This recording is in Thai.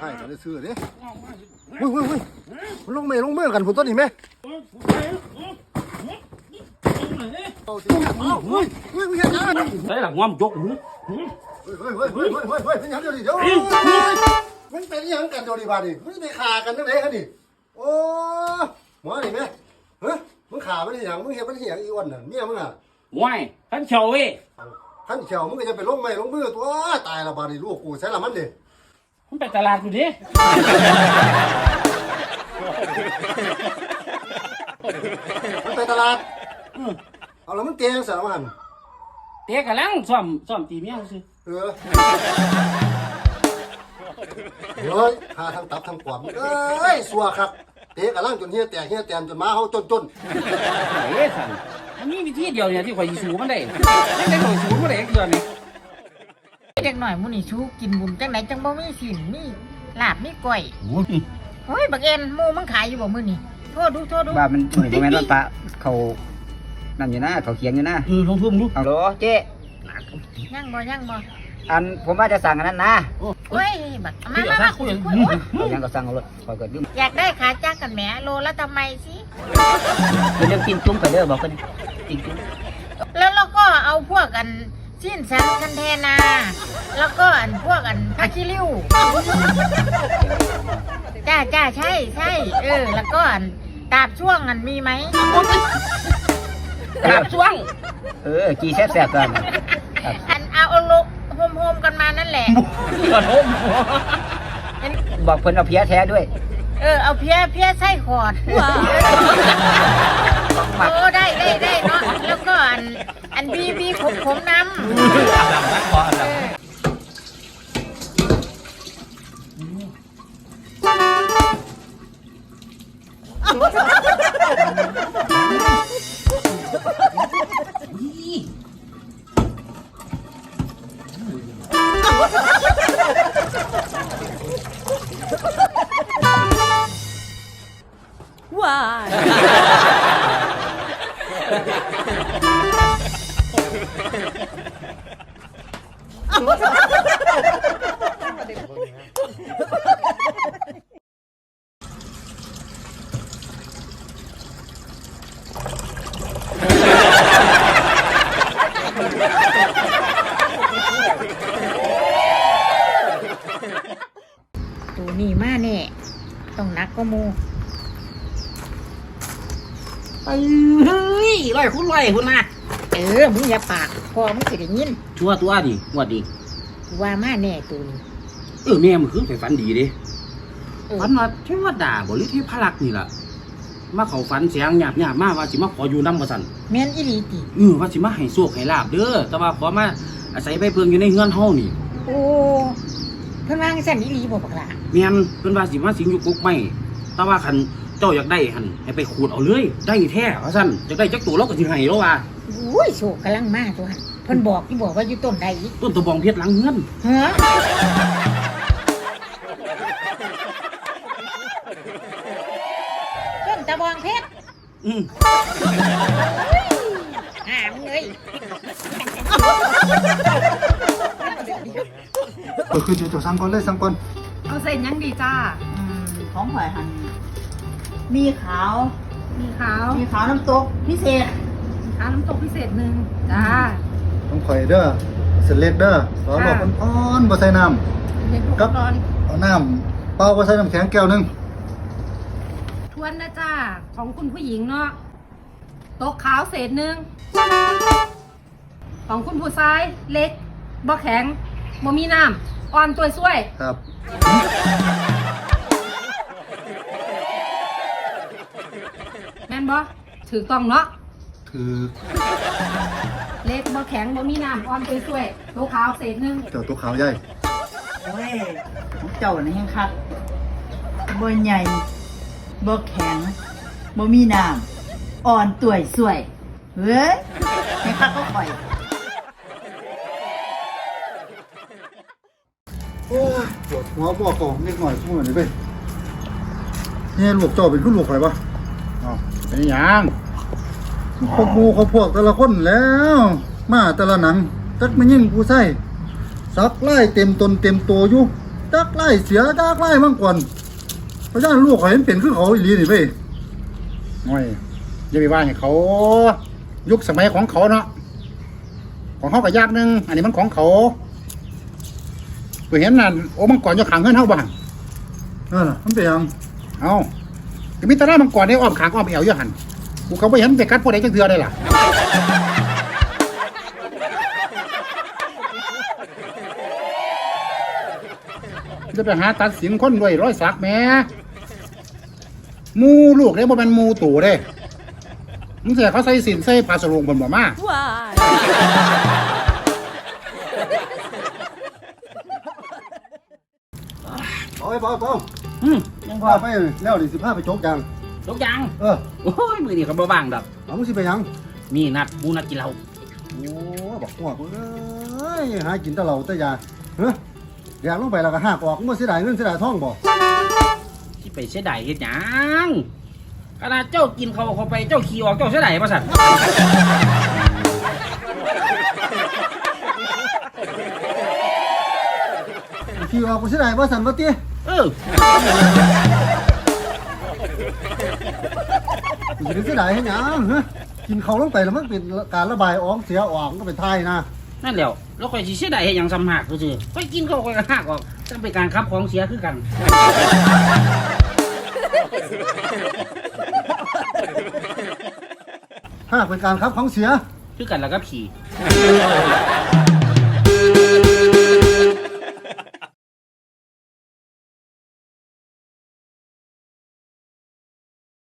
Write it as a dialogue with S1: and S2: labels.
S1: กันได้ซื้อเด้เฮ้ยลงมือกันผมต้นนี่ไหม
S2: đấy là ngon chốt nữa
S1: เป็นยังเดี๋ยวดิมันเป็นยังกันเดี๋ยวดิบาดิมันไปขากันตั้งไหนฮะดิโอ้หมอนี่ไหมเฮ้ยมึงขามันอย่างมึงเห็นมันอย่างอีวันน่ะเมียมึงอ่ะ
S2: ngoài hắn chầu ấy
S1: ขั้นเขียวมึงก็จะไปลงไม้ลงมือตัวตายละบาดิลูกกูใช้ละมันดิ
S2: không phải tà lạt gì thế
S1: มันไปตลาดเอาแล้วมันเตียงเสร็จแล้วมัน
S2: thế cả lăng xòm tìm nhau chứ
S1: เฮ้ยหาทางตับทางขวานเอ้ยสัวครับเตะกระลังจนเฮียแตกจนม้าเขาจน
S2: đấy thằngมันมีวิธีเดียวเนี่ยที่ข่อยสิสู้มันได้ไม่ได้ข่อยสู้มันได้เดือนนี้
S3: เด็กหน่อยมูนี่ชูกินบุญจังไหนจังบ่มีสินมีลาบมีก้อยโอ้ยบักเอ็นหมูมึงขายอยู่บ่มื้อนี่โทษดู
S4: บ้ามันเหมือนแม่นว่าปะเขานั่นอยู่นะเขาเขียงอยู่นะ
S2: ลงทุ่มลูก
S4: เอาโหลเจ๊
S3: ยังบ่
S4: อันผมว่าจะสั่งอันนั้นนะ
S3: โอ้ยบักมาคุย
S4: เอายังก็สั่งเอาเลยคอยเกิดยืม
S3: อยากได้ขาจ้างกันแหมโลละทำไมสิ
S4: เป็นเรื่องกินจุ้มไปเด้อบอกกันกินจุ้ม
S3: แล้วเราก็เอาพวกกันสิ้นสันคันเทนาแล้วก็อันพวกอันผักขี้ริ้วจ้าใช่แล้วก็อันตาบช่วงอันมีไหม
S2: กราบช่วง
S4: กีแซ่บๆกัน
S3: อันเอาโลโฮมกันมานั่นแหละ
S2: กระทม
S4: บอกเพิ่นเอาเพี้ยแท้ด้วย
S3: เอาเพี้ยไส้ขอดโอ้ได้เนาะแล้วก็อันบีผมน้ำว้า ตัวนี้มาแน่ต้องนักก็มู
S2: เฮ้ยไล่คุณนะ
S3: มึงอย่าปากพอมึงสิได้ยิน
S2: ชัวตัวดิวัดดิ
S3: ว่ามาแน่ตัวนี้
S2: แม่มันคือไปฝันดีดิฝันว่าเทวดาบริเทพลักษ์นี่ล่ะมาเขาฝันเสียงหยาบมาว่าสิมาขออยู่น้ำมาสั่น
S3: แม่นอีหลีติ
S2: ว่าสิมาให้โชคให้ลาบเด้อแต่ว่าขอมาอาศัยใบเพิงอยู่ในเฮือนเฮานี่
S3: โอ้เพิ่นว่าจังซั่นอีหลีบ่บักล่ะ
S2: แม่นเพิ่นว่าสิมาสิงอยู่กกไม้แต่ว่าคันเจ้าอยากได้หั่นให้ไปขูดเอาเลยได้แท้ว่าซั่นอยากได้จักตัวเราก็สิให้แล้วว่า
S3: อุ้ยโชคกำลังมาตัวหั่นเพิ่นบอกว่าอยู่ต้นใดอีก
S2: ต้นตะบองเพชรหลังเฮือน
S3: ฮะต้นตะบองเพชรมึงเอ้ย
S1: คือจะสั่งก่อนเลยสั่งก่อน
S5: เอาเส้นยังดีจ้า
S6: ของข่อยหันมีขาว
S5: มีขาว
S6: มีขาวน้ำตกพิเศษ
S5: ขาวน้ำตกพิเศษหนึ่งจ้า
S1: ต้องข่อยเด้อเส้นเล็กเด้อขอบอกอ่อนบ่ใส่น้
S5: เด็กทุกร้อน
S1: ำเอาน้ำเปล่าบ่ใส่น้ำแข็งแก้วนึง
S5: ทวนนะจ้า ของคุณผู้หญิงเนาะตกขาวเศษหนึ่งของคุณผู้ชายเล็กบ่แข็งบ่มีน้ำอ่อนตัวช่วย
S1: ครับ
S5: แม่นบ่ถือต้องเนาะ
S1: ถือ
S5: เล็กบ่แข็งบ่มีน้ำอ่อนตัวช่วยตกขาวเศษหนึ่ง
S1: เจ้าตัวขาวใหญ่
S6: โอ้ยของเจ้าน่ะยังคักบ่ใหญ่บ่แข็งบ่มีน้ำอ่อนต่วยสวยเฮ้ยให้คักก็ข่อย
S1: โอ้ยปวดหัวบอกก่อนนิดหน่อยช่วยหน่อยไปเนี่ยลูกเจ้าเป็นผู้ลูกใครปะอ๋อเป็นยังพวกมูเขาพวกแต่ละคนแล้ว มาแต่ละหนังจักไม่ยิ่งผู้ใส่ซักไล่เต็มตนเต็มตัวอยู่จักไล่เสียจักไล่มั่งก่อนเพราะฉะนั้นลูกเขาเห็นเป็นคือเขาอีหลีนี่เว้ยโอ้ยอย่าไปว่าให้เขายุคสมัยของเขาเนาะของเขาก็ยากนึงอันนี้มันของเขาตัวเห็นนั่นโอ้มังกรอยู่ข้างเงินเฮาบ้างมันเป็นยังเอาจะมีตาหน้ามังกรได้อ้อมขางอ้อมเอวอยู่หันกูเขาไปเห็นไปกัดพวกใดจังเทือได้ล่ะจะไปหาตัดสินคนด้วยร้อยสักแม่มูลูกได้บ่เป็นมูตู่เด้มึงเสียเขาใส่สินใส่ผ้าสรงบนบ่มาเอาไปเอา
S2: ยังพ
S1: พา
S2: อ
S1: ไปแล้วดิ15ไปโจกยัง
S2: ทุกอย่าง
S1: โอ้
S2: ยมือนี่เขาบ่ว่างดอก
S1: เอามึงสิไปยัง
S2: มีนัดหมูนัดกินเหล้า
S1: โอ้บอกพวกเอ้ยหากินแต่เหล้าแต่ยาเฮ้ยอยากลงไปแล้วก็หักออกมึงเสียดายเงินเสียดายทองบ่
S2: ที่ไปเสียดายเฮ็ดหยังขนาดเจ้ากินเขาไปเจ้าขี่ออกเจ้าเสียดายป่ะสัน
S1: ขี่ออกกูเสียดายบ่สั่นบ่ติ กูสิเสียดายให้หยังเฮ้ยกินเขาลงไปแล้วมันเป็นการระบายออกเสียออกก็เป็นไทยนะ
S2: นั่นแหละแล้วค่อยสิเสียดายเฮ็ดหยังซ้ำหักก็คือค่อยกินเขาค่อยก็หักออกต้องเป็นการขับของเสียคือกัน
S1: หากเป็นการครับของเสีย
S2: คือกันแล้วก็ผี